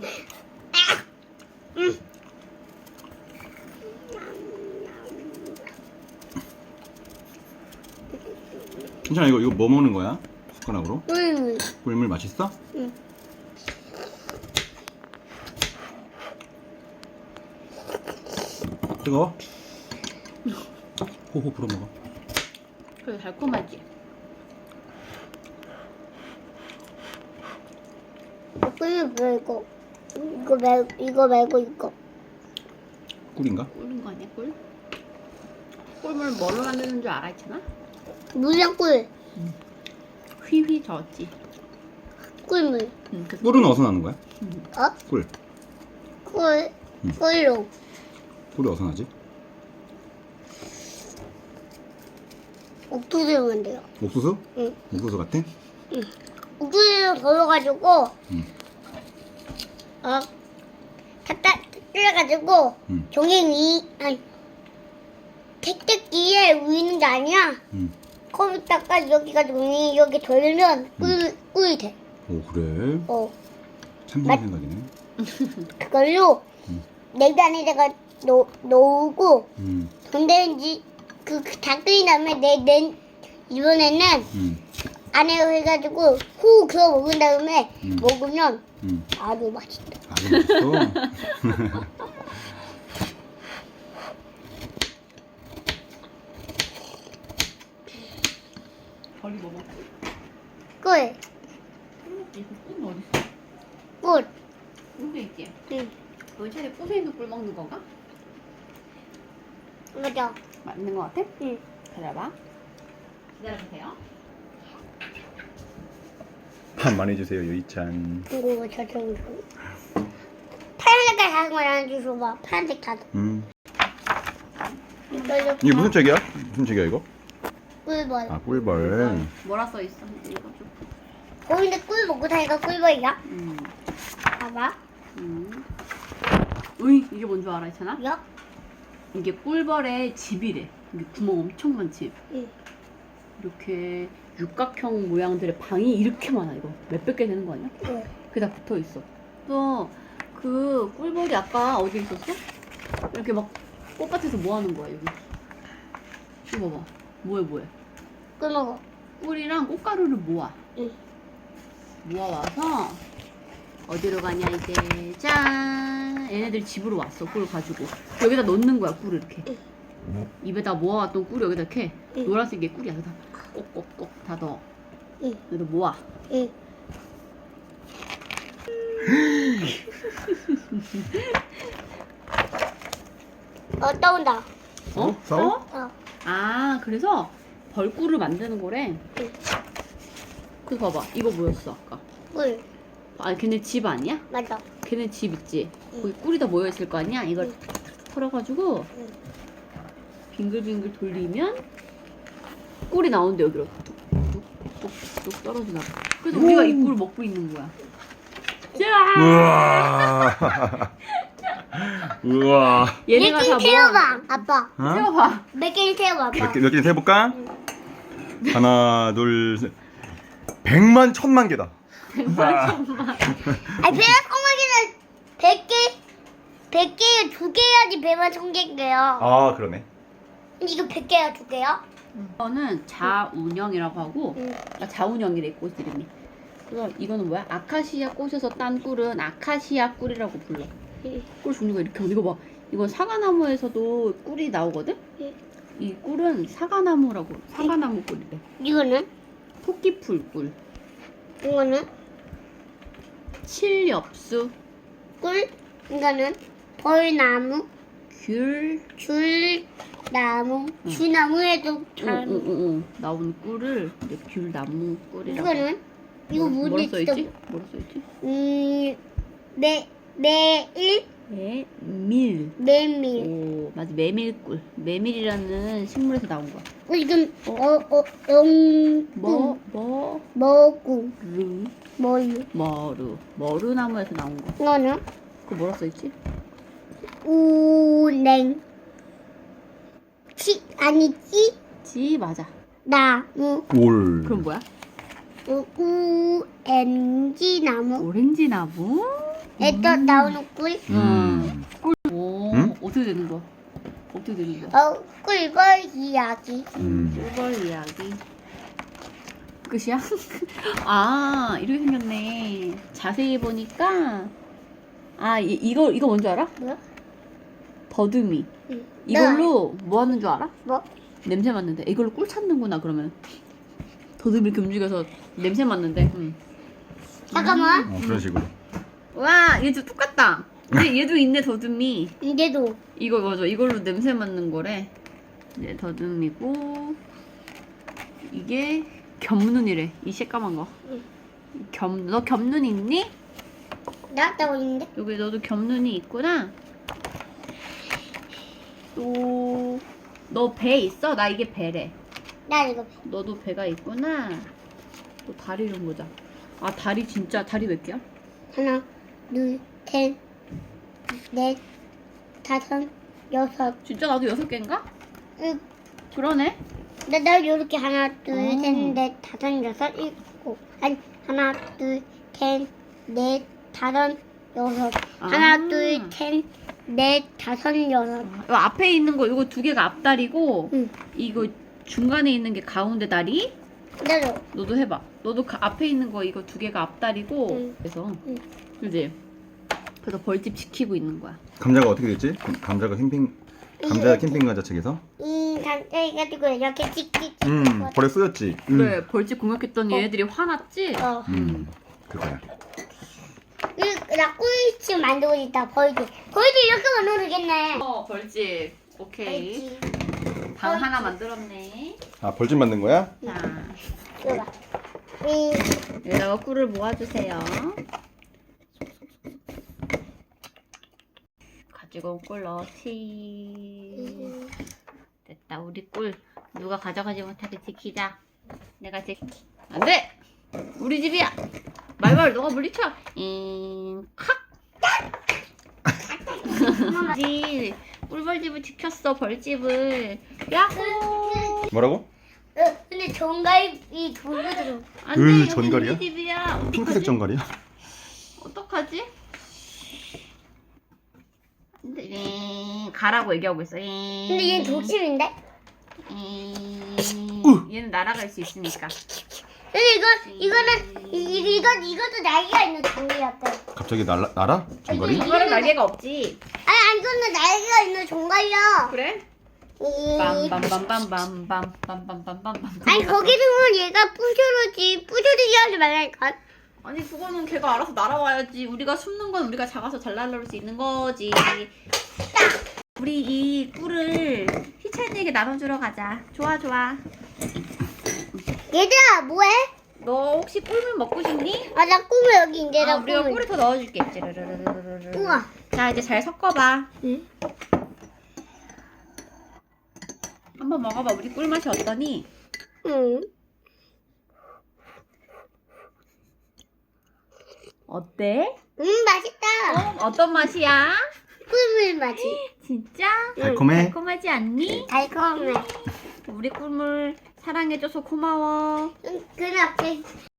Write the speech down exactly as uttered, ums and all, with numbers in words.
음. 괜찮아. 이거 이거 뭐 먹는 거야? 숟가락으로? 꿀물. 꿀물 맛있어? 응. 뜨거워? 호호 불어 먹어. 그래 달콤하지? 꿀물 말고 이거 말 이거 말고 이거. 꿀인가? 꿀인 거 아니야 꿀? 꿀물 뭘로 만드는 줄 알아 있잖아? 물이랑 꿀. 휘휘 저었지. 꿀물. 응, 그래서 꿀은 어디서 나는 거야? 어? 꿀. 꿀. 응. 꿀로. 꿀이 어디서 나지? 옥수수로 만들어. 옥수수? 응. 옥수수 같아? 응. 옥수수를 덜어가지고 응. 어 갖다 끓여가지고 응. 종이 위 아니 택배기에 위는 게 아니야. 응. 컴퓨터가 여기가 종이 여기 돌면 꿀 꿀이 돼. 오 그래? 어 참 맛- 좋은 생각이네. 그걸로 응. 냉장에다가 놓 놓고 응. 전자레인지 그 다 끓인 다음에 내내 이번에는 응. 안에 해가지고 후 그거 먹은 다음에 음. 먹으면 응. 아주 맛있다. 아주 맛있어. 벌이 먹어. 꿀, 이거 꿀 어디 있어? 꿀. 꿀도 있지. 응, 너 차례 꿀에 있는 꿀 먹는 건가? 맞아. 맞는 거 같아? 응. 기다려봐. 기다려주세요. 한 많이 주세요 유이찬. 이거 저쪽으로. 파란색깔 작은 거 하나 주셔봐. 파란색 작은. 음. 이걸로 이게 무슨 책이야? 무슨 책이야 이거? 꿀벌. 아 꿀벌. 뭐라 써 있어? 읽어줘. 거기데 꿀 먹고 다니까 꿀벌이야. 음. 봐봐. 음. 으이 이게 뭔 줄 알아 있잖아? 야. 이게 꿀벌의 집이래. 이게 구멍 엄청 많은 집. 응. 이렇게 육각형 모양들의 방이 이렇게 많아. 이거 몇백 개 되는 거 아니야? 응. 그게 다 붙어 있어. 또 그 꿀벌이 아까 어디 있었어? 이렇게 막 꽃밭에서 뭐 하는 거야 여기? 이거 봐봐. 뭐해 뭐해? 꿀 먹어. 꿀이랑 꽃가루를 모아. 응. 모아와서 어디로 가냐 이제 짠. 얘네들이 집으로 왔어. 꿀을 가지고 여기다 넣는 거야. 꿀을 이렇게 입에다 모아왔던 꿀을 여기다 이렇게 응. 노란색의 꿀이야. 그래서 다 꼭꼭꼭 다 넣어. 응. 여기다 모아. 응. 어 떠온다. 어? 싸워? 어. 아 그래서 벌꿀을 만드는 거래. 응. 그래서 봐봐. 이거 뭐였어 아까? 꿀. 아 걔네 집 아니야? 맞아. 걔네 집 있지? 응. 거기 꿀이 다 모여있을 거 아니야? 이걸 응. 탁탁탁 털어가지고 응. 빙글빙글 돌리면 꿀이 나오는데 여기로 뚝뚝뚝뚝 떨어지나 봐. 그래서 우리가 이 꿀을 먹고 있는 거야. 짠! 우와. 우와. 얘네가 몇 다 개 모아. 태워봐. 아빠. 어? 세워봐. 몇 개를 태워봐. 몇 개, 몇 개 세볼까? 하나, 둘, 셋. 백만, 천만 개다. 백만 천만. 아니 배가 꼬마기는 백 개, 백 개에 두 개 해야지 배만 천 개인데요. 아, 그러네. 이거 백 개야 두 개야? 이거는 자운영이라고 하고 응. 아, 자운영이래 꽃 이름이. 그래서 이거는 뭐야? 아카시아 꽃에서 딴 꿀은 아카시아 꿀이라고 불러. 응. 꿀 종류가 이렇게 이거 봐. 이건 사과나무에서도 꿀이 나오거든? 응. 이 꿀은 사과나무라고. 사과나무 꿀이래. 이거는? 토끼풀 꿀. 이거는? 칠엽수, 꿀? 이거는? 벌나무? 귤, 귤나무? 귤나무에도 잘. 응응응 나온 꿀을 이제 귤나무 꿀이라고. 이거는? 이거 뭐, 뭐지? 뭐라 써있지? 뭐라 써있지? 음, 매, 매일? 네, 밀. 메밀. 오, 맞아. 메밀꿀. 메밀이라는 식물에서 나온 거야. 어, 이건, 어, 어, 영, 뭐, 뭐, 머구, 르, 머유. 머루. 머루나무에서 나온 거. 이거는? 그거 뭐라 써있지? 우냉. 치, 아니지? 지, 맞아. 나무. 올. 그럼 뭐야? 우, 우엔지 나무. 오렌지 나무? 애또 나오는 꿀. 음. 오, 응? 어떻게 되는 거야? 어떻게 되는 거야? 어, 꿀벌 이야기. 음. 꿀벌 이야기. 끝이야? 아, 이렇게 생겼네. 자세히 보니까 아, 이, 이거 이거 뭔지 알아? 뭐야? 더듬이. 응. 이걸로 뭐 하는 줄 알아? 뭐? 냄새 맡는데. 이걸로 꿀 찾는구나 그러면. 더듬이 이렇게 움직여서 냄새 맡는데. 응. 잠깐만. 어, 그런 식으로. 와, 얘도 똑같다. 근데 얘도 있네 더듬이. 이제도. 이거 맞아. 이걸로 냄새 맡는 거래. 이제 더듬이고 이게 겹눈이래. 이 새까만 거. 응. 겹, 너 겹눈 있니? 나왔다고 있는데? 여기 너도 겹눈이 있구나. 또 너 배 있어? 나 이게 배래. 나 이거. 너도 배가 있구나. 또 다리 좀 보자. 아 다리 진짜 다리 몇 개야? 하나, 둘, 셋, 넷, 다섯, 여섯. 진짜 나도 여섯 개인가? 응. 그러네. 나, 나 이렇게 하나, 둘, 음. 셋, 넷, 다섯, 여섯, 일곱. 아니, 하나, 둘, 셋, 넷, 다섯, 여섯. 아. 하나, 둘, 셋, 넷, 다섯, 여섯. 이 앞에 있는 거 이거 두 개가 앞다리고 응. 이거 중간에 있는 게 가운데 다리. 나도. 너도 해봐. 너도 가- 앞에 있는 거 이거 두 개가 앞다리고 응. 그래서 응. 그지? 그래서 벌집 지키고 있는 거야. 감자가 어떻게 됐지? 감자가 캠핑 감자 캠핑 가자 책에서. 이 감자 해가지고 이렇게 찍찍찍. 음, 벌에 쏘였지. 음. 그래 벌집 공격했더니 어. 얘네들이 화났지? 어. 음. 그거야. 이- 나 꿀집 만들고 있다. 벌집. 벌집 이렇게 만들면 되겠네. 어 벌집. 오케이. 벌집. 방 하나 만들었네. 아, 벌집 만든 거야? 자 이거 봐. 이 여기다가 꿀을 모아주세요. 가지고 온 꿀 넣지. 됐다. 우리 꿀 누가 가져가지 못하게 지키자. 내가 지키. 안 돼. 우리 집이야. 말말 너가 물리쳐. 잉 칵. 지 꿀벌집을 지켰어. 벌집을. 야호. 뭐라고? 어, 근데 정갈이 돌거든. 안 돼. 으, 여기 전갈이야? 우리 집이야. 핑크색 정갈이야? 어떡하지? 근데 잉, 가라고 얘기하고 있어. 잉. 근데 얘는 독심인데? 잉. 얘는 날아갈 수 있으니까. 근데 이거 이거는 이, 이- 이거 이것도 날개가 있는 종이였대. 갑자기 날라 날아? 정갈이? 이거는 날개가 없지. 아니 아니 이거는 날개가 있는 종갈이야. 그래? 이- 빰빰빰빰빰빰빰빰빰빰. 아니 거기서는 얘가 부셔르지 부셔르지 하지 말라니까. 아니 그거는 걔가 알아서 날아와야지. 우리가 숨는 건 우리가 작아서 잘 날아올 수 있는 거지. 우리 이 꿀을 희찬이에게 나눠주러 가자. 좋아 좋아. 얘들아 뭐해? 너 혹시 꿀물 먹고 싶니? 아 나 꿈을 여기 이제 아, 나 우리가 꿈을. 꿀을 더 넣어줄게. 찌르르르르르르. 우와. 자 이제 잘 섞어봐. 응? 한번 먹어봐. 우리 꿀 맛이 어떠니? 응. 어때? 음 맛있다. 어, 어떤 맛이야? 꿀물 맛이. 진짜? 달콤해? 달콤하지 않니? 달콤해. 우리 꿀물 사랑해줘서 고마워. 응, 그렇게